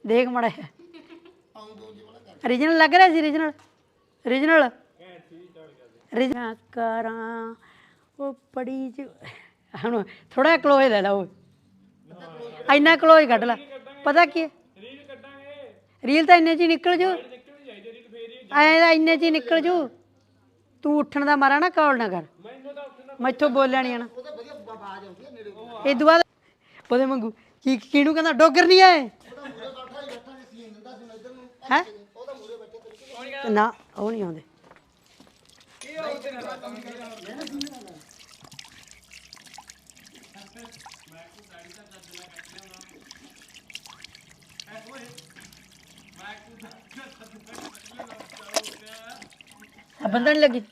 ਦੇਖ ਮੜਾ ਰੀਜਨਲ ਲੱਗ ਰਿਹਾ ਸੀ ਰੀਜਨਲ ਰੀਜਨਲ ਰੀਜਨਲ ਕਰਾਂ ਉਹ ਪੜੀ ਚ ਹੁਣ ਥੋੜਾ ਕਲੋਜ਼ ਲੈ ਲਾ ਉਹ ਇੰਨਾ ਕਲੋਜ਼ ਕੱਢ ਲਾ ਪਤਾ ਕੀ ਰੀਲ ਤਾਂ ਇੰਨੇ ਚ ਹੀ ਨਿਕਲ ਜੂ ਐ ਇੰਨੇ ਚ ਹੀ ਨਿਕਲ ਜੂ ਤੂੰ ਉੱਠਣ ਦਾ ਮਾਰਾ ਨਾ ਕੌਲ ਨਾ ਕਰ ਮੈਥੋਂ ਬੋਲਿਆ ਨਹੀਂ ਆਣਾ ਇਹ ਦੁਆ ਉਹਦੇ ਵਾਂਗੂ ਕੀ ਕਿਹਨੂੰ ਕਹਿੰਦਾ ਡੋਗਰ ਨਹੀਂ ਆਏ ਹੈ ਨਾ ਉਹ ਨਹੀਂ ਆਉਂਦੇ ਬੰਦਾ ਨਹੀਂ ਲੱਗੀ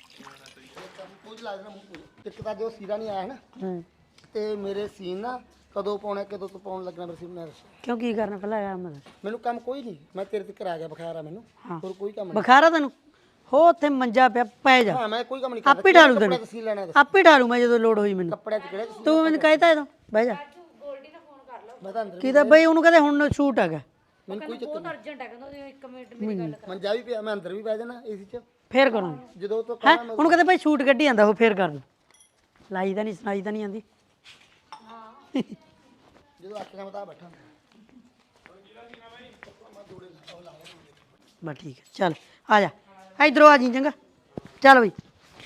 ਇੱਕ ਤਾਂ ਜੋ ਸੀਰਾ ਨਹੀਂ ਆਇਆ ਹੈ ਨਾ ਤੇ ਮੇਰੇ ਸੀਨ ਨਾ ਕਦੋਂ ਪਾਉਣਾ ਕਦੋਂ ਤੋਂ ਪਾਉਣ ਲੱਗਣਾ ਮੇਰੇ ਸੀਨ ਮੈਂ ਕਿਉਂ ਕੀ ਕਰਨਾ ਪਹਿਲਾਂ ਯਾਰ ਮੈਨੂੰ ਕੰਮ ਕੋਈ ਨਹੀਂ ਮੈਂ ਤੇਰੇ ਤੇ ਕਰਾ ਗਿਆ ਬੁਖਾਰ ਆ ਮੈਨੂੰ ਹੋਰ ਕੋਈ ਕੰਮ ਨਹੀਂ ਬੁਖਾਰਾ ਤੈਨੂੰ ਹੋ ਉੱਥੇ ਮੰਜਾ ਪਿਆ ਪੈ ਜਾ ਹਾਂ ਮੈਂ ਕੋਈ ਕੰਮ ਨਹੀਂ ਕਰਦਾ ਆਪੇ ਢਾਲੂ ਤੈਨੂੰ ਸੀਨ ਲੈਣਾ ਆਪੇ ਢਾਲੂ ਮੈਂ ਜਦੋਂ ਲੋੜ ਹੋਈ ਮੈਨੂੰ ਕੱਪੜਿਆਂ 'ਚ ਕਿਹੜੇ ਤੂੰ ਮੈਨੂੰ ਕਹਿਤਾ ਇਹਦੋਂ ਬਹਿ ਜਾ ਮੈਂ ਤਾਂ ਅੰਦਰ ਕਿਦਾ ਬਈ ਉਹਨੂੰ ਕਹਿੰਦੇ ਹੁਣ ਸ਼ੂਟ ਹੈਗਾ ਮੈਨੂੰ ਕੋਈ ਚੱਕਰ ਨਹੀਂ ਅਰਜੈਂਟ ਹੈ ਕਹਿੰਦਾ 1 ਮਿੰਟ ਮੇਰੀ ਗੱਲ ਕਰ ਮੰਜਾ ਵੀ ਪਿਆ ਮੈਂ ਅੰਦਰ ਵੀ ਬਹਿ ਜਾਣਾ ਏਸੀ 'ਚ ਫੇਰ ਕਰਾਂਗੇ ਜਦੋਂ ਤੋਂ ਹੈ ਉਹਨੂੰ ਕਹਿੰਦੇ ਭਾਈ ਸ਼ੂਟ ਕੱਢੀ ਜਾਂਦਾ ਉਹ ਫੇਰ ਕਰ ਲੂ ਲਾਈ ਤਾਂ ਨਹੀਂ ਸੁਣਾਈ ਤਾਂ ਨਹੀਂ ਆਂਦੀ ਹਾਂ ਜਦੋਂ ਅੱਖ ਨਾਲ ਤਾਂ ਬੈਠਾ ਬਸ ਠੀਕ ਹੈ ਚੱਲ ਆ ਜਾ ਇਧਰੋਂ ਆ ਜੀ ਚੰਗਾ ਚੱਲ ਬਈ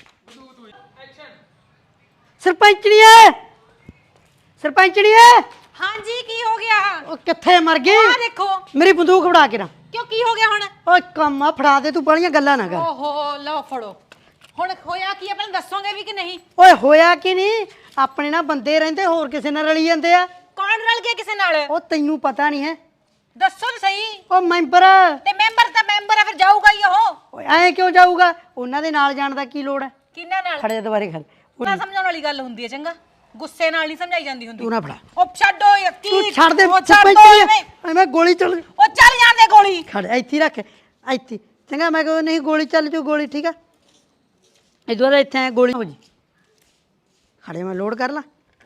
ਸਰਪੰਚਣੀਏ ਸਰਪੰਚਣੀਏ ਹਾਂਜੀ ਕੀ ਹੋ ਗਿਆ ਉਹ ਕਿੱਥੇ ਮਰ ਗਈ ਆ ਦੇਖੋ ਮੇਰੀ ਬੰਦੂਕ ਫੜਾ ਕੇ ਨਾ ਕਿਉਂ ਕੀ ਹੋ ਗਿਆ ਹੁਣ ਓਏ ਕੰਮ ਆ ਫੜਾ ਦੇ ਤੂੰ ਬੜੀਆਂ ਗੱਲਾਂ ਨਾ ਕਰ ਓਹੋ ਲਓ ਫੜੋ ਹੁਣ ਹੋਇਆ ਕੀ ਆ ਪਹਿਲਾਂ ਦੱਸੋਗੇ ਵੀ ਕਿ ਨਹੀਂ ਓਏ ਹੋਇਆ ਕੀ ਨਹੀਂ ਆਪਣੇ ਨਾਲ ਬੰਦੇ ਰਹਿੰਦੇ ਹੋਰ ਕਿਸੇ ਨਾਲ ਰਲੀ ਜਾਂਦੇ ਆ ਕੌਣ ਰਲ ਗਿਆ ਕਿਸੇ ਨਾਲ ਉਹ ਤੈਨੂੰ ਪਤਾ ਨਹੀਂ ਹੈ ਦੱਸੋ ਤਾਂ ਸਹੀ ਉਹ ਮੈਂਬਰ ਤੇ ਮੈਂਬਰ ਤਾਂ ਮੈਂਬਰ ਆ ਫਿਰ ਜਾਊਗਾ ਹੀ ਉਹ ਓਏ ਐ ਕਿਉਂ ਜਾਊਗਾ ਉਹਨਾਂ ਦੇ ਨਾਲ ਜਾਣ ਦਾ ਕੀ ਲੋੜ ਹੈ ਕਿੰਨਾ ਨਾਲ ਖੜੇ ਦੁਬਾਰੇ ਖੜ ਨਾ ਸਮਝਾਉਣ ਵਾਲੀ ਗੱਲ ਹੁੰਦੀ ਹੈ ਚੰਗਾ ਗੁੱਸੇ ਨਾਲ ਨਹੀਂ ਸਮਝਾਈ ਜਾਂਦੀ ਹੁੰਦੀ ਤੂੰ ਨਾ ਫੜਾ ਉਹ ਛੱਡੋ ਯਾਰ ਕੀ ਤੂੰ ਛੱਡ ਦੇ ਉਹ ਛੱਡ ਸਰਪੰਚ ਦਿਓ ਐਵੇਂ। ਐਵੇਂ ਗੋਲੀ ਚੱਲ ਉਹ ਚੱਲ ਜਾਂਦੇ ਗੋਲੀ ਖੜ ਇੱਥੇ ਹੀ ਰੱਖ ਇੱਥੇ ਚੰਗਾ ਮੈਂ ਕਹਾਂ ਨਹੀਂ ਗੋਲੀ ਚੱਲ ਜੂ ਗੋਲੀ ਠੀਕ ਆ ਇਦੋਂ ਬਾਅਦ ਇੱਥੇ ਗੋਲੀ ਹੋ ਜੀ ਖੜੇ ਮੈਂ ਲੋਡ ਕਰ ਲਾ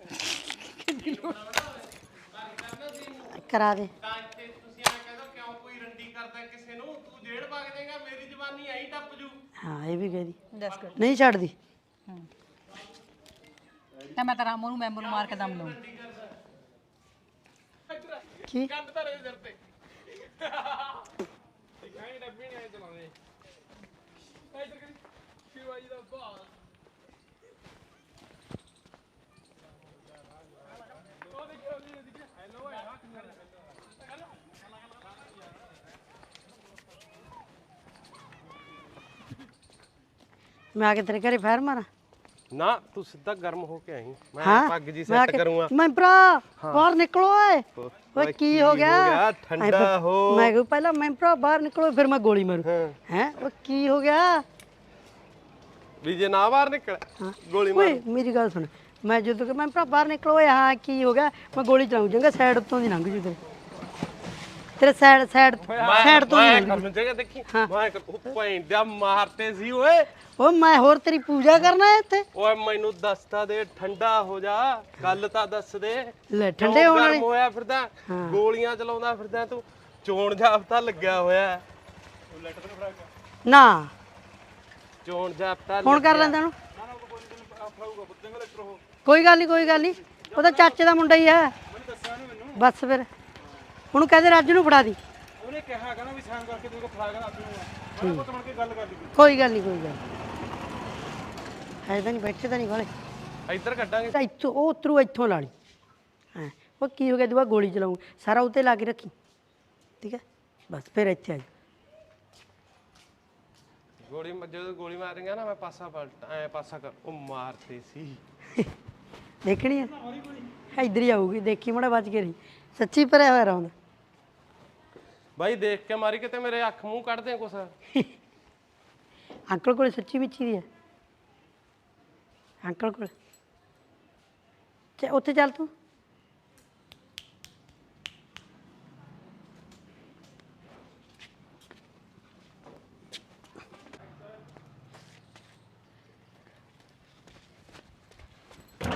ਕਰਾ ਦੇ ਹਾਂ ਇਹ ਵੀ ਕਹਦੀ ਦੱਸ ਕਰ ਨਹੀਂ ਛੱਡਦੀ ਤਾਂ ਮੈਂ ਤਾਂ ਰਾਮੋ ਨੂੰ ਮੈਂਬਰ ਨੂੰ ਮਾਰ ਕੇ ਦਮ ਲਊਂ ਕੀ ਮੈਂ ਆ ਕੇ ਤੇਰੇ ਘਰੇ ਫਾਇਰ ਮਾਰਾਂ ਨਾ ਤੂੰ ਸਿੱਧਾ ਗਰਮ ਹੋ ਕੇ ਆਈ ਮੈਂ ਹਾਂ ਪੱਗ ਜੀ ਸੈੱਟ ਕਰੂੰਗਾ ਮੈਂ ਭਰਾ ਬਾਹਰ ਨਿਕਲੋ ਓਏ ਕੀ ਹੋ ਗਿਆ ਠੰਡਾ ਹੋ ਮੈਂ ਕਿਹਾ ਪਹਿਲਾਂ ਮੈਂ ਭਰਾ ਬਾਹਰ ਨਿਕਲੋ ਫਿਰ ਮੈਂ ਗੋਲੀ ਮਾਰੂ ਹੈ ਉਹ ਕੀ ਹੋ ਗਿਆ ਵੀ ਜੇ ਨਾ ਬਾਹਰ ਨਿਕਲ ਗੋਲੀ ਮਾਰ ਓਏ ਮੇਰੀ ਗੱਲ ਸੁਣ ਮੈਂ ਜਦੋਂ ਕਿ ਮੈਂ ਭਰਾ ਬਾਹਰ ਨਿਕਲੋ ਓਏ ਹਾਂ ਕੀ ਹੋ ਗਿਆ ਮੈਂ ਗੋਲੀ ਚਲਾਉਂ ਜਾਂਗਾ ਸਾਈਡ ਉੱਤੋਂ ਦੀ ਲੰਘ ਜੂ ਤੇਰੇ ਸਾਈਡ ਤੋਂ ਮੈਂ ਕਰਨ ਜਗਾ ਦੇਖੀ ਮੈਂ ਉਹ ਪੈਂਦਾ ਮਾਰਤੇ ਸੀ ਓਏ ਓ ਮੈਂ ਹੋਰ ਤੇਰੀ ਪੂਜਾ ਕਰਨਾ ਹੈ ਇੱਥੇ ਓਏ ਮੈਨੂੰ ਦੱਸਤਾ ਦੇ ਠੰਡਾ ਹੋ ਜਾ ਗੱਲ ਤਾਂ ਦੱਸ ਦੇ ਲੈ ਠੰਡੇ ਹੋਣ ਵਾਲੀ ਹੋਇਆ ਫਿਰਦਾ ਗੋਲੀਆਂ ਚਲਾਉਂਦਾ ਫਿਰਦਾ ਤੂੰ ਚੋਣ ਜਾਬਤਾ ਲੱਗਿਆ ਹੋਇਆ ਨਾ ਚੋਣ ਜਾਬਤਾ ਫੋਨ ਕਰ ਲੈਂਦਾ ਉਹਨੂੰ ਕੋਈ ਗੱਲ ਨਹੀਂ ਉਹਦਾ ਚਾਚੇ ਦਾ ਮੁੰਡਾ ਹੀ ਹੈ ਬਸ ਫਿਰ ਉਹਨੂੰ ਕਹਦੇ ਰਾਜੂ ਨੂੰ ਫੜਾ ਦੀ ਉਹਨੇ ਕਿਹਾ ਕਹਿੰਦਾ ਵੀ ਸਾਈਨ ਕਰਕੇ ਤੂੰ ਫੜਾ ਕੇ ਆਪਣੀ ਨੂੰ ਬਣ ਕੇ ਗੱਲ ਕਰ ਲਈ ਕੋਈ ਗੱਲ ਨਹੀਂ ਹੈ ਤਾਂ ਨਹੀਂ ਬੈਠੇ ਤਾਂ ਨਹੀਂ ਵਾਲੇ ਇੱਧਰ ਕੱਢਾਂਗੇ ਇੱਥੋਂ ਉਹ ਉਤਰੂ ਇੱਥੋਂ ਲਾ ਲਈ ਹਾਂ ਉਹ ਕੀ ਹੋ ਗਿਆ ਦੁਆ ਗੋਲੀ ਚਲਾਉਂ ਸਾਰਾ ਉੱਤੇ ਲਾ ਕੇ ਰੱਖੀ ਠੀਕ ਹੈ ਬਸ ਫਿਰ ਇੱਥੇ ਆ ਗੋਲੀ ਜਦੋਂ ਗੋਲੀ ਮਾਰੇਗਾ ਨਾ ਮੈਂ ਪਾਸਾ ਪਲਟ ਐ ਪਾਸਾ ਕਰ ਉਹ ਮਾਰਤੇ ਸੀ ਦੇਖਣੀ ਹੈ ਇੱਧਰ ਹੀ ਆਊਗੀ ਦੇਖੀ ਮੜਾ ਬਚ ਕੇ ਰਹੀ ਸੱਚੀ ਭਰਿਆ ਹੋਇਆ ਰੌਂਦ ਬਾਈ ਦੇਖ ਕੇ ਮਾਰੀ ਕਿਤੇ ਮੇਰੇ ਅੱਖ ਮੂੰਹ ਕੱਢ ਦੇ ਕੁਛ ਅੰਕਲ ਕੋਲ ਸੱਚੀ ਮਿੱਚੀ ਦੀ ਹੈ ਅੰਕਲ ਕੋਲ ਉੱਥੇ ਚੱਲ ਤੂੰ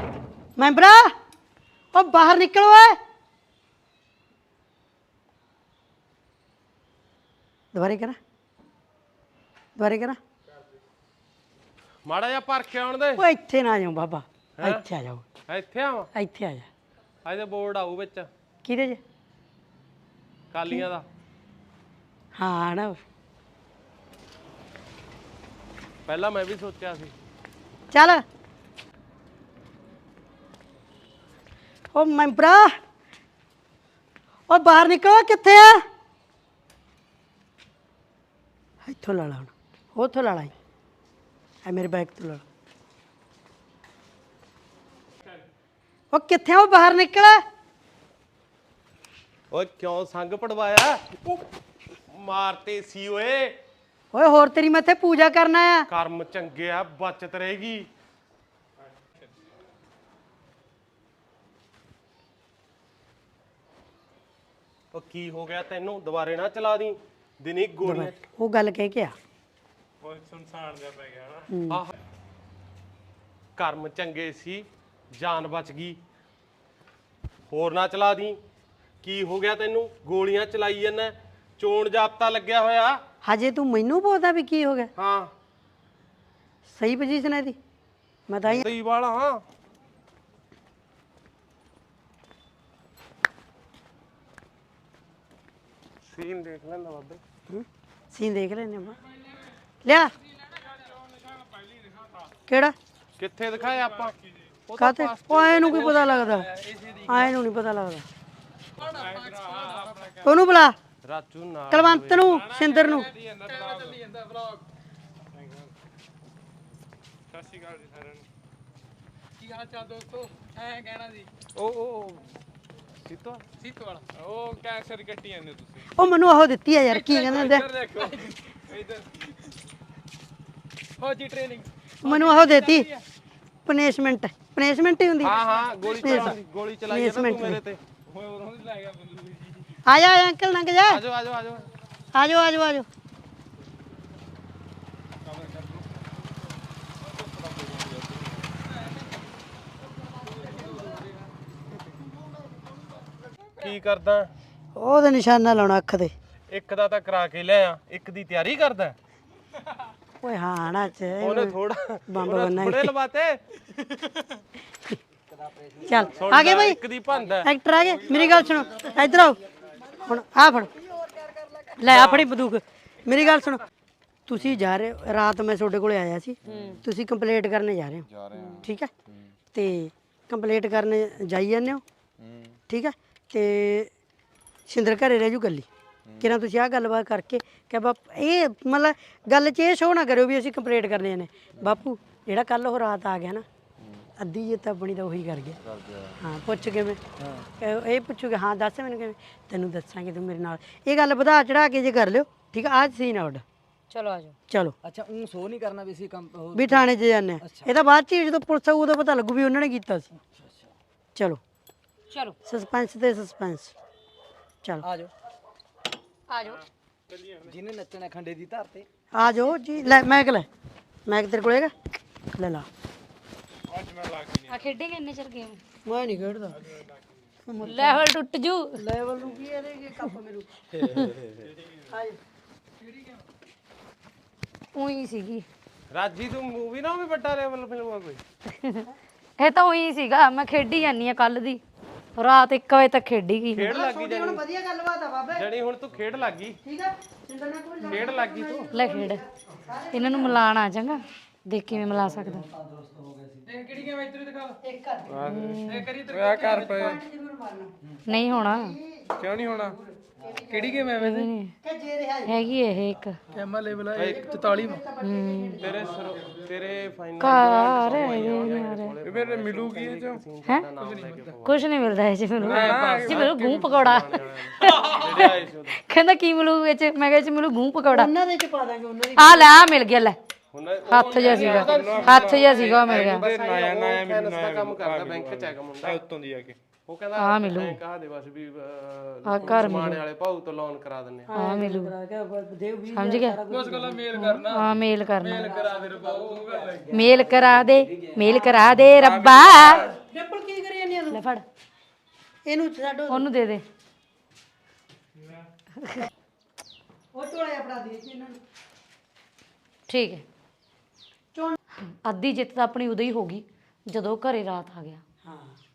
ਮੈਂਬਰਾ ਉਹ ਬਾਹਰ ਨਿਕਲ ਓਏ ਦੁਬਾਰੇ ਕਰਾਂ ਦੁਬਾਰੇ ਕਰਾਂ ਮਾੜਾ ਜਿਹਾ ਭਰ ਕੇ ਆਉਣ ਦੇ ਉਹ ਇੱਥੇ ਨਾ ਜਾਓ ਬਾਬਾ ਇੱਥੇ ਆ ਜਾਓ ਇੱਥੇ ਆਵਾਂ ਇੱਥੇ ਆ ਜਾ ਇਹਦੇ ਬੋਰਡ ਆਊ ਵਿੱਚ ਕਿਹਦੇ 'ਚ ਕਾਲੀਆਂ ਦਾ ਹਾਂ ਨਾ ਪਹਿਲਾਂ ਮੈਂ ਵੀ ਸੋਚਿਆ ਸੀ ਚੱਲ ਉਹ ਮੈਂਬਰਾ ਉਹ ਬਾਹਰ ਨਿਕਲ ਕਿੱਥੇ ਆ ਇੱਥੋਂ ਲਾ ਲਾ ਹੁਣ ਉੱਥੋਂ ਲਾ ਲਾ ਐ ਮੇਰੇ ਬੈਗ ਤੋਂ ਲਾ ਲਾ। ਉਹ ਕਿੱਥੇ ਆ ਉਹ ਬਾਹਰ ਨਿਕਲ ਓਏ ਕਿਉਂ ਸੰਗ ਪੜਵਾਇਆ ਮਾਰਤੇ ਸੀ ਓਏ ਓਏ ਹੋਰ ਤੇਰੀ ਮੈਂ ਇੱਥੇ ਪੂਜਾ ਕਰਨ ਆਇਆ ਕਰਮ ਚੰਗੇ ਆ ਬਚਤ ਰਹੇਗੀ ਉਹ ਕੀ ਹੋ ਗਿਆ ਤੈਨੂੰ ਦੁਬਾਰੇ ਨਾ ਚਲਾ ਦੀ ਦਿਨੀ ਗੋਲੀਆਂ ਉਹ ਗੱਲ ਕਹਿ ਕੇ ਆ ਉਹ ਸੁਨਸਾਨ ਜਿਹਾ ਪੈ ਗਿਆ ਨਾ ਆਹ ਕਰਮ ਚੰਗੇ ਸੀ ਜਾਨ ਬਚ ਗਈ ਹੋਰ ਨਾ ਚਲਾ ਦੀ ਕੀ ਹੋ ਗਿਆ ਤੈਨੂੰ ਗੋਲੀਆਂ ਚਲਾਈ ਜਾਂਦਾ ਚੋਣ ਜਾਬਤਾ ਲੱਗਿਆ ਹੋਇਆ ਹਜੇ ਤੂੰ ਮੈਨੂੰ ਪੁੱਛਦਾ ਵੀ ਕੀ ਹੋ ਗਿਆ ਹਾਂ ਸਹੀ ਪੋਜੀਸ਼ਨ ਹੈ ਇਹਦੀ ਮੈਂ ਤਾਂ ਸਹੀ ਵਾਲਾ ਹਾਂ ਸੀਨ ਦੇਖ ਲੈਂਦਾ ਬਾਬੇ ਸੀਨ ਦੇਖ ਲੈਨੇ ਆਪਾਂ ਲਿਆ ਕਿਹੜਾ ਕਿੱਥੇ ਦਿਖਾਇਆ ਆਪਾਂ ਕਾਤੇ ਉਹ ਆਏ ਨੂੰ ਕੀ ਪਤਾ ਲੱਗਦਾ ਆਏ ਨੂੰ ਨਹੀਂ ਪਤਾ ਲੱਗਦਾ ਉਹਨੂੰ ਬੁਲਾ ਰਾਜੂ ਨਾਲ ਕਲਵੰਤ ਨੂੰ ਸਿੰਦਰ ਨੂੰ ਸਤਿ ਸ਼੍ਰੀ ਅਕਾਲ ਜੀ ਸਾਰਿਆਂ ਨੂੰ ਕੀ ਹਾਲ ਚਾਲ ਦੋਸਤੋ ਐ ਕਹਿਣਾ ਸੀ ਉਹ ਸੀਤੋ ਸੀਤ ਵਾਲਾ ਉਹ ਕੈਂਸਰ ਕੱਟੀ ਜਾਂਦੇ ਤੁਸੀਂ ਉਹ ਮੈਨੂੰ ਉਹ ਦਿੱਤੀ ਆ ਯਾਰ ਕੀ ਕਹਿੰਦੇ ਹੁੰਦੇ ਆ? ਦੇਖੋ ਇਧਰ ਹੋ ਜੀ ਟ੍ਰੇਨਿੰਗ ਮੈਨੂੰ ਉਹ ਦੇਤੀ ਪਨਿਸ਼ਮੈਂਟ ਪਨਿਸ਼ਮੈਂਟ ਹੀ ਹੁੰਦੀ ਹਾਂ ਹਾਂ ਗੋਲੀ ਚਲਾਈ ਹੈ ਨਾ ਤੂੰ ਮੇਰੇ ਤੇ ਹੋਏ ਉਦੋਂ ਦੀ ਲਾਏਗਾ ਬੰਦੂਕ ਜੀ ਆ ਜਾ ਅੰਕਲ ਲੰਘ ਜਾ ਆਜੋ ਆਜੋ ਆਜੋ ਆਜੋ ਆਜੋ ਆਜੋ ਕੀ ਕਰਦਾ ਉਹਦੇ ਨਿਸ਼ਾਨਾ ਲਾਉਣਾ ਅੱਖ ਤੇ ਇੱਕ ਦਾ ਤਾਂ ਕਰਾ ਕੇ ਲਿਆ ਇੱਕ ਦੀ ਤਿਆਰੀ ਕਰਦਾ ਓਏ ਹਾਂ ਨਾ ਚ ਉਹਨੇ ਥੋੜਾ ਬੰਬ ਬੰਨਾ ਥੋੜੇ ਲਵਾਤੇ ਚੱਲ ਆ ਗਏ ਬਈ ਇੱਕ ਦੀ ਭੰਦਾ ਐਕਟਰ ਆ ਗਏ ਮੇਰੀ ਗੱਲ ਸੁਣੋ ਇੱਧਰ ਆਓ ਹੁਣ ਆ ਫੜ ਲੈ ਆ ਫੜੀ ਬੰਦੂਕ ਮੇਰੀ ਗੱਲ ਸੁਣੋ ਤੁਸੀਂ ਜਾ ਰਹੇ ਹੋ ਰਾਤ ਮੈਂ ਤੁਹਾਡੇ ਕੋਲੇ ਆਇਆ ਸੀ ਤੁਸੀਂ ਕੰਪਲੀਟ ਕਰਨੇ ਜਾ ਰਹੇ ਹੋ ਠੀਕ ਹੈ ਤੇ ਕੰਪਲੀਟ ਕਰਨ ਜਾਈ ਜਾਂਦੇ ਹੋ ਠੀਕ ਹੈ ਤੇ ਸਿੰਦਰ ਘਰੇ ਰਹਿ ਜੂ ਗੱਲੀ ਕਿਰਾਂ ਤੁਸੀਂ ਆਹ ਗੱਲਬਾਤ ਕਰਕੇ ਕਿ ਬਾਪ ਇਹ ਮਤਲਬ ਗੱਲ 'ਚ ਇਹ ਸ਼ੋਅ ਨਾ ਕਰਿਓ ਵੀ ਅਸੀਂ ਕੰਪਲੀਟ ਕਰਨੇ ਨੇ ਬਾਪੂ ਜਿਹੜਾ ਕੱਲ ਉਹ ਰਾਤ ਆ ਗਿਆ ਨਾ ਅੱਧੀ ਜੇ ਤਾਂ ਬਣੀ ਤਾਂ ਉਹੀ ਕਰ ਗਿਆ ਹਾਂ ਪੁੱਛ ਕਿਵੇਂ ਇਹ ਪੁੱਛੂਗੇ ਹਾਂ ਦੱਸ ਮੈਨੂੰ ਕਿਵੇਂ ਤੈਨੂੰ ਦੱਸਾਂਗੇ ਤੂੰ ਮੇਰੇ ਨਾਲ ਇਹ ਗੱਲ ਵਧਾ ਚੜਾ ਕੇ ਜੇ ਕਰ ਲਿਓ ਠੀਕ ਆ ਆਹ ਸੀਨ ਆਉਟ ਚਲੋ ਆਜੋ ਚਲੋ ਅੱਛਾ ਉਹ ਸੋ ਨਹੀਂ ਕਰਨਾ ਵੀ ਅਸੀਂ ਕੰਮ ਵੀ ਥਾਣੇ 'ਚ ਜਾਂਦੇ ਆ ਇਹ ਤਾਂ ਬਾਅਦ 'ਚ ਹੀ ਜਦੋਂ ਪੁਲਿਸ ਆਊ ਉਦੋਂ ਪਤਾ ਲੱਗੂ ਵੀ ਉਹਨਾਂ ਨੇ ਕੀਤਾ ਸੀ ਚਲੋ ਚਲੋ ਸਸਪੈਂਸ ਤੇ ਸਸਪੈਂਸ ਚਲ ਆ ਜਾਓ ਆਜੋ ਜਿਹਨੇ ਨੱਚਣਾ ਖੰਡੇ ਦੀ ਧਰ ਤੇ ਆ ਜਾਓ ਜੀ ਲੈ ਮੈਕ ਲੈ ਮੈਕ ਤੇਰੇ ਕੋਲ ਹੈਗਾ ਲੈ ਲਾ ਆ ਖੇਡੇਂਗੇ ਇੰਨੇ ਚਿਰ ਗੇਮ ਮੈਂ ਨਹੀਂ ਖੇਡਦਾ ਲੈਵਲ ਟੁੱਟ ਜੂ ਲੈਵਲ ਨੂੰ ਕੀ ਇਹਦੇ ਕੀ ਕੱਪ ਮੈਨੂੰ ਆ ਜਾ ਉਹੀ ਸੀਗੀ ਰਾਜੀ ਤੂੰ ਮੂਵੀ ਨਾ ਵੀ ਵੱਡਾ ਲੈਵਲ ਫਿਲਮ ਆ ਕੋਈ ਇਹ ਤਾਂ ਉਹੀ ਸੀਗਾ ਮੈਂ ਖੇਡੀ ਜਾਨੀ ਆ ਕੱਲ ਦੀ ਰਾਤ 1 ਵਜੇ ਤੱਕ ਖੇਡੀ ਗਈ ਖੇਡ ਲੱਗੀ ਜਾਨੀ ਹੁਣ ਵਧੀਆ ਗੱਲਬਾਤ ਆ ਬਾਬੇ ਜਣੀ ਹੁਣ ਤੂੰ ਖੇਡ ਲੱਗੀ ਠੀਕ ਆ ਸਿੰਦਰ ਨਾਲ ਕੋਈ ਖੇਡ ਲੱਗੀ ਤੂੰ ਲੈ ਖੇਡ ਇਹਨਾਂ ਨੂੰ ਮਿਲਾਣ ਆ ਜਾਂਗਾ ਦੇਖ ਕਿਵੇਂ ਮਿਲਾ ਸਕਦਾ ਇਹ ਕਿਹੜੀ ਗੇਮ ਇੱਧਰ ਦਿਖਾ ਇੱਕ ਕਰ ਇਹ ਕਰੀ ਇੱਧਰ ਆ ਘਰ ਪਏ ਜ਼ਰੂਰ ਮਾਰਨਾ ਨਹੀਂ ਹੋਣਾ ਕਿਉਂ ਨਹੀਂ ਹੋਣਾ ਕਿਹੜੀ ਗੇਮ ਹੈ ਵੈਸੇ ਕਿ ਜੇ ਰਿਹਾ ਹੈਗੀ ਇਹ ਇੱਕ ਐਮਾ ਲੈਵਲ ਹੈ 44 ਤੇਰੇ ਫਾਈਨਲ ਘਰ ਇਹ ਮੇਰੇ ਮਿਲੂਗੀ ਇਹ ਚੋਂ ਹੈ ਕੁਝ ਨਹੀਂ ਮਿਲਦਾ ਇਹ ਚ ਮੈਨੂੰ ਜੀ ਮੈਨੂੰ ਗੂੰ ਪਕੌੜਾ ਜਿਹੜੇ ਆਏ ਸੀ ਉਦੋਂ ਕਹਿੰਦਾ ਕੀ ਮਿਲੂ ਇਹ ਚ ਮੈਂ ਕਿਹਾ ਇਹ ਚ ਮਿਲੂ ਗੂੰ ਪਕੌੜਾ ਉਹਨਾਂ ਦੇ ਚ ਪਾ ਦਾਂਗੇ ਉਹਨਾਂ ਦੀ ਆ ਲੈ ਆ ਮਿਲ ਗਿਆ ਲੈ ਹੁਣ ਹੱਥ ਜਿਹਾ ਸੀਗਾ ਉਹ ਮਿਲ ਗਿਆ ਨਾਇਆ ਨਾਇਆ ਫਾਈਨੈਂਸ ਦਾ ਕੰਮ ਕਰਦਾ ਬੈਂਕ ਚ ਹੈਗਾ ਮੁੰਡਾ ਉੱਤੋਂ ਦੀ ਆ ਕੇ ਉਹ ਕਹਿੰਦਾ ਆ ਮਿਲੂ ਕਹਾ ਦੇ ਬਸ ਵੀ ਆ ਘਰ ਮਾਣੇ ਵਾਲੇ ਭਾਊ ਤੋਂ ਲੋਨ ਕਰਾ ਦਿੰਨੇ ਆ ਮਿਲੂ ਦੇਵ ਵੀ ਸਮਝ ਗਿਆ ਉਸ ਗੱਲਾਂ ਮੇਲ ਕਰਨਾ ਹਾਂ ਮੇਲ ਕਰਨਾ ਕਰਾ ਦੇ ਰਬਾ ਉਹ ਗੱਲ ਹੈ ਮੇਲ ਕਰਾ ਦੇ ਰੱਬਾ ਡਿੰਪਲ ਕੀ ਕਰੀ ਜਾਂਦੀ ਆ ਤੂੰ ਲੈ ਫੜ ਇਹਨੂੰ ਛੱਡੋ ਉਹਨੂੰ ਦੇ ਦੇ ਉਹ ਕੋਲੇ ਆਪਣਾ ਦੇ ਕੇ ਇਹਨਾਂ ਨੂੰ ਠੀਕ ਹੈ। ਚੋਣ ਅੱਧੀ ਜਿੱਤ ਤਾਂ ਆਪਣੀ ਉਦੋਂ ਹੀ ਹੋ ਗਈ ਜਦੋਂ ਘਰੇ ਰਾਤ ਆ ਗਿਆ। ਹਾਂ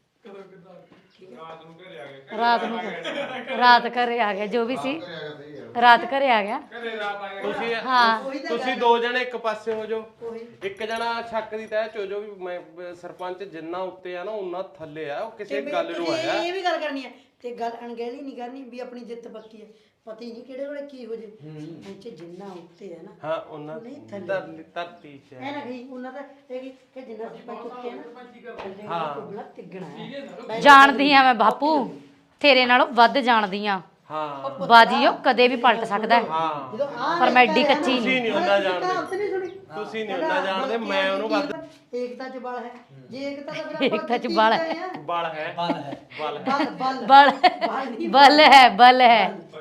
ਰਾਤ ਘਰੇ ਆ ਗਿਆ, ਜੋ ਵੀ ਸੀ ਰਾਤ ਘਰੇ ਆ ਗਿਆ। ਤੁਸੀਂ ਹਾਂ ਤੁਸੀਂ ਦੋ ਜਣੇ ਇੱਕ ਪਾਸੇ ਹੋ ਜਾਓ, ਇੱਕ ਜਣਾ ਸ਼ੱਕ ਦੀ ਤਹਿ ਚ ਹੋ ਜਾਓ ਵੀ ਮੈਂ ਸਰਪੰਚ ਜਿੰਨਾ ਉੱਤੇ ਆ ਨਾ ਉਹਨਾਂ ਥੱਲੇ ਆ, ਉਹ ਕਿਸੇ ਗੱਲ ਨੂੰ ਆਇਆ। ਇਹ ਵੀ ਗੱਲ ਕਰਨੀ ਹੈ ਤੇ ਗੱਲ ਅਣਗਹਿਲੀ ਨਹੀਂ ਕਰਨੀ ਵੀ ਆਪਣੀ ਜਿੱਤ ਪੱਕੀ ਹੈ। ਪਤਾ ਹੀ ਨਹੀਂ ਕਿਹੜੇ ਵੇਲੇ ਕੀ ਹੋ ਜੇ। ਇੱਥੇ ਜਿੰਨਾ ਉੱਤੇ ਹੈ ਨਾ ਹਾਂ ਉਹਨਾਂ ਧਰਤੀ ਚ ਐ ਨਾ ਗਈ ਉਹਨਾਂ ਦਾ ਇਹ ਕਿ ਜਿੰਨਾ ਸਰਪੰਚ ਉੱਤੇ ਹੈ ਨਾ ਹਾਂ ਤਿੱਗਣਾ ਹੈ। ਜਾਣਦੀ ਆ ਮੈਂ ਬਾਪੂ, ਤੇਰੇ ਨਾਲੋਂ ਵੱਧ ਜਾਣਦੀ ਆ। ਹਾਂ ਬਾਜੀ ਉਹ ਕਦੇ ਵੀ ਪਲਟ ਸਕਦਾ ਹੈ, ਹਾਂ ਜਦੋਂ ਆ ਪਰ ਮੈਂ ਐਡੀ ਕੱਚੀ ਤੁਸੀਂ ਨਹੀਂ। ਨਹੀਂ ਉਹਨਾਂ ਜਾਣਦੇ, ਉੱਥੇ ਨਹੀਂ ਸੁਣੀ ਤੁਸੀਂ ਨਹੀਂ ਉਹਨਾਂ ਜਾਣਦੇ, ਮੈਂ ਉਹਨੂੰ ਵੱਧ ਏਕਤਾ ਚ ਬਲ ਹੈ। ਜੇ ਏਕਤਾ ਦਾ ਫਿਰ ਆਪਾਂ ਏਕਤਾ ਚ ਬਲ ਹੈ। ਬਲ ਹੈ ਬਲ ਬਲ बल है बल है,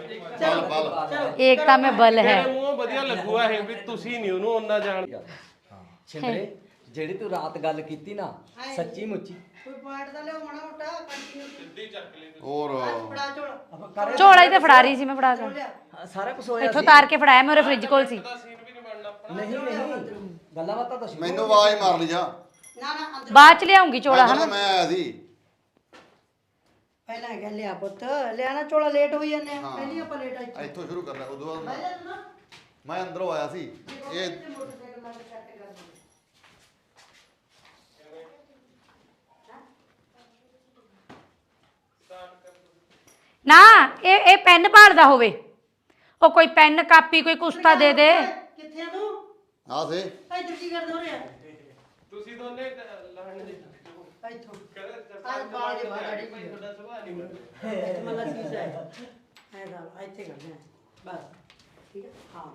एकता में बल है। ਮੇਰੇ ਮੂੰਹੋਂ ਵਧੀਆ ਲੱਗੂਗਾ ਇਹ ਵੀ ਤੁਸੀਂ ਨਹੀਂ ਉਹਨੂੰ ਉਹਨਾਂ ਜਾਣਦੇ। ਛਿੰਦਰੇ ਜਿਹੜੀ ਤੂੰ ਰਾਤ ਗੱਲ ਕੀਤੀ ਨਾ ਸੱਚੀ ਮੁੱਚੀ ਕੋਈ ਪੁਆਇੰਟ ਦਾ ਲਿਓ ਮਾੜਾ ਮੋਟਾ ਕੰਟੀਨਿਊ ਸਿੱਧੀ ਚੱਕ ਲਈ ਹੋਰ ਫੜਾ ਝੋਲਾ ਝੋਲਾ ਹੀ ਤੇ ਫੜਾ ਰਹੀ ਸੀ ਮੈਂ, ਫੜਾ ਕੇ ਹਾਂ, ਸਾਰਾ ਕੁਝ ਹੋਇਆ ਇੱਥੋਂ ਤਾਰ ਕੇ ਫੜਾਇਆ, ਮੇਰੇ ਫ੍ਰਿਜ ਕੋਲ ਸੀ। ਸੀਨ ਵੀ ਨਹੀਂ ਬਣਨਾ ਆਪਣਾ। ਨਹੀਂ ਗੱਲਾਂ ਬਾਤਾਂ ਤਾਂ ਮੈਨੂੰ ਆਵਾਜ਼ ਮਾਰ ਲਈ ਜਾ ਨਾ ਨਾ ਅੰਦਰ ਬਾਅਦ ਚ ਲਿਆਉਂਗੀ ਝੋਲਾ ਮੈਂ ਹਨਾ। ਮੈਂ ਆਇਆ ਸੀ ਪਹਿਲਾਂ ਹੈਗਾ ਲਿਆ ਪੁੱਤ ਲਿਆਣਾ ਝੋਲਾ ਲੇਟ ਹੋਈ ਜਾਂਦੇ ਆ ਪਹਿਲੀ ਆਪਾਂ ਲੇਟ ਆਈ ਇੱਥੋਂ ਸ਼ੁਰੂ ਕਰਨਾ ਉਦੋਂ ਬਾਅਦ ਪਹਿਲਾਂ ਤੂੰ ਨਾ ਮੈਂ ਅੰਦਰੋਂ ਆਇਆ ਸੀ ਇਹ ਮੋਟਰਸਾਈਕਲ ਨਾਲ ਸੈੱਟ ਕਰ ਦੇ। ਨਾ ਇਹ ਪੈਨ ਭਾਲਦਾ ਹੋਵੇ, ਉਹ ਕੋਈ ਪੈਨ ਕਾਪੀ ਕੋਈ ਕੁਸਤਾ ਦੇ ਦੇ। ਕਿੱਥੇ ਆ ਤੂੰ ਆ ਸੇ ਇੱਧਰ ਕੀ ਕਰਦੇ ਹੋ ਰਿਹਾ ਤੁਸੀਂ ਦੋਨੇ ਲੜਨ ਦੇ ਇੱਥੋਂ ਆ ਬਾਲ ਦੇ ਬਾਹਰ ਅੜੀ ਪਈ ਤੁਹਾਡਾ ਸੁਭਾਅ ਨਹੀਂ ਬਣਦਾ। ਮੱਲਾ ਸੀ ਹੈ ਐ ਦਾ ਇੱਥੇ ਕਰਦੇ ਆ ਬਸ ਠੀਕ ਹੈ ਹਾਂ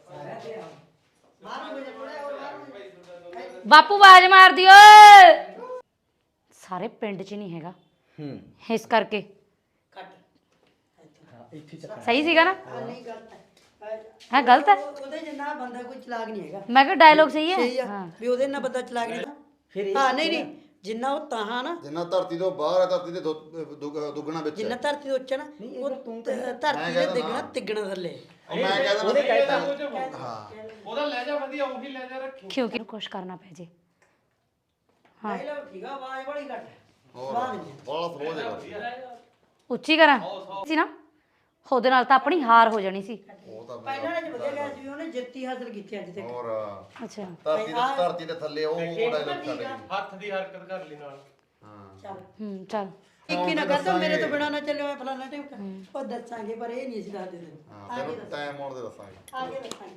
ਬਾਹਰ ਹੋ ਜਾ ਥੋੜਾ ਹੋਰ ਬਾਹਰ ਹੋ ਜਾ। ਬਾਪੂ ਆਵਾਜ਼ ਮਾਰਦੀ ਓਏ। ਸਾਰੇ ਪਿੰਡ 'ਚ ਨਹੀਂ ਹੈਗਾ ਇਸ ਕਰਕੇ। ਕੱਟ ਇੱਥੇ ਚੱਕ ਸਹੀ ਸੀਗਾ ਨਾ? ਆ ਨਹੀਂ ਗਲਤ ਹੈ ਹੈ ਗਲਤ ਹੈ? ਉਹਦੇ ਜਿੰਨਾ ਬੰਦਾ ਕੋਈ ਚਲਾਕ ਨਹੀਂ ਹੈਗਾ। ਮੈਂ ਕਿਹਾ ਡਾਇਲੋਗ ਸਹੀ ਸਹੀ ਹੈ। ਆ ਵੀ ਉਹਦੇ ਨਾਲ ਬੰਦਾ ਚਲਾਕ ਨਹੀਂ ਫਿਰ ਹਾਂ ਨਹੀਂ ਨਹੀਂ ਜਿੰਨਾ ਉਹ ਤਾਹਾਂ ਨਾ ਜਿੰਨਾ ਧਰਤੀ ਤੋਂ ਬਾਹਰ ਹੈ ਧਰਤੀ ਦੇ ਦੁੱਗਣਾ ਵਿੱਚ ਜਿੰਨਾ ਹੈ। ਧਰਤੀ ਦੇ ਉੱਚਾ ਨਾ ਉਹ ਧਰਤੀ ਦੇ ਦਿਗਣਾ ਤਿੱਗਣਾ ਥੱਲੇ ਉਹ ਮੈਂ ਕਹਿੰਦਾ ਉਹਨੇ ਕਹਿਤਾ ਹਾਂ ਉਹਦਾ ਲਹਿਜਾ ਵਧੀਆ, ਉਹੀ ਲਹਿਜਾ ਰੱਖੀ। ਕਿਉਂਕਿ ਕੁਛ ਕਰਨਾ ਪੈ ਜੇ। ਹਾਂ ਲਓ ਠੀਕ ਆ ਆਵਾਜ਼ ਬੜੀ ਘੱਟ ਹੈ। ਹੋਰ ਬੜਾ ਸਲੋ ਜਿਹਾ ਉੱਚੀ ਕਰਾਂ ਸੀ ਨਾ, ਉਹਦੇ ਨਾਲ ਤਾਂ ਆਪਣੀ ਹਾਰ ਹੋ ਜਾਣੀ ਸੀ। ਉਹ ਤਾਂ ਪਹਿਲਾਂ ਨੇ ਵਧੀਆ ਗਿਆ ਸੀ ਉਹਨੇ ਜਿੱਤੀ ਹਾਸਲ ਕੀਤੀ ਅੱਜ ਤੱਕ। ਹੋਰ ਅੱਛਾ ਧਰਤੀ ਦੇ ਥੱਲੇ ਉਹ ਡਾਇਲੌਗ ਛੱਡ ਗਈ ਹੱਥ ਦੀ ਹਰਕਤ ਕਰ ਲਈ ਨਾਲ। ਹਾਂ ਚੱਲ ਚੱਲ ਇੱਕੀ ਨਾ ਕਰ ਦੋ ਮੇਰੇ ਤੋਂ ਬਿਨਾ ਨਾ ਚੱਲਿਓ ਫਲਾਣਾ ਟਾਈਮ ਉਹ ਦੱਸਾਂਗੇ ਪਰ ਇਹ ਨਹੀਂ ਅਸੀਂ ਦੱਸਦੇ ਤੈਨੂੰ ਹਾਂ ਫਿਰ ਟਾਈਮ ਆਉਣ ਦੇ ਦੱਸਾਂਗੇ ਆਗੇ ਦੱਸਾਂਗੇ।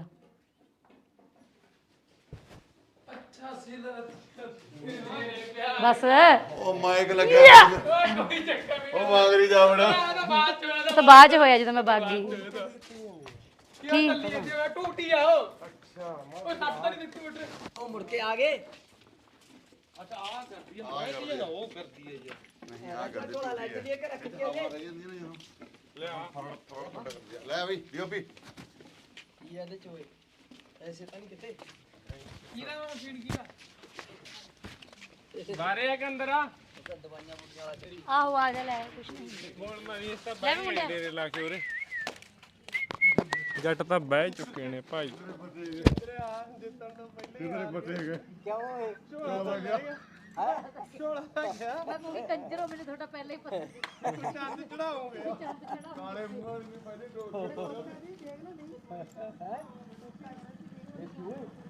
ਬਸ ਉਹ ਮਾਈਕ ਲੱਗਿਆ ਉਹ ਮੰਗਰੀ ਜਾਵੜਾ ਤਾਂ ਬਾਅਦ 'ਚ ਹੋਇਆ ਜਦੋਂ ਮੈਂ ਭੱਗ ਗਈ। ਕੀ ਟੂਟੀ ਆ ਉਹ। ਅੱਛਾ ਉਹ ਸੱਟ ਤਾਂ ਨਹੀਂ ਦਿੱਤੀ ਮੋਟਰ। ਉਹ ਮੁੜ ਕੇ ਆ ਗਏ ਅੱਛਾ ਆ ਕਰਦੀ ਹੈ, ਮੈਂ ਕੀ ਨਾ ਉਹ ਕਰਦੀ ਹੈ ਜੀ। ਨਹੀਂ ਆ ਕਰ ਝੋਲਾ ਲੈ ਕੇ ਕੇ ਰੱਖ ਕੇ ਉਹਨੇ ਲੈ ਆ ਲੈ ਬਈ ਡੀਓਪੀ ਕੀ ਇਹਦੇ ਚ ਹੋਏ ਐਸੇ ਤਾਂ ਨਹੀਂ ਕਿਤੇ ਕੀਦਾ ਮੈਂ ਮਸ਼ੀਨ ਕੀਦਾ ਬਾਰੇ ਆ ਕੇ ਅੰਦਰ ਆ। ਦਵਾਈਆਂ ਬੁੱਟੀਆਂ ਵਾਲਾ ਤੇਰੀ ਆਹੋ ਆ ਜਾ ਲੈ ਕੁਛ ਨਹੀਂ। ਹੁਣ ਮੈਂ ਇਸ ਤਾਂ ਬਹਿ ਡੇਰੇ ਲਾ ਕੇ ਉਰੇ ਜੱਟ ਤਾਂ ਬਹਿ ਚੁੱਕੇ ਨੇ ਭਾਈ। ਮੈਂ ਕੋਈ ਕੰਜਰੋ, ਮੈਨੂੰ ਤੁਹਾਡਾ ਪਹਿਲਾਂ ਹੀ ਪਤਾ। ਚੰਦ ਚੜਾਓਗੇ ਕਾਲੇ ਮੂੰਹ ਪਹਿਲੇ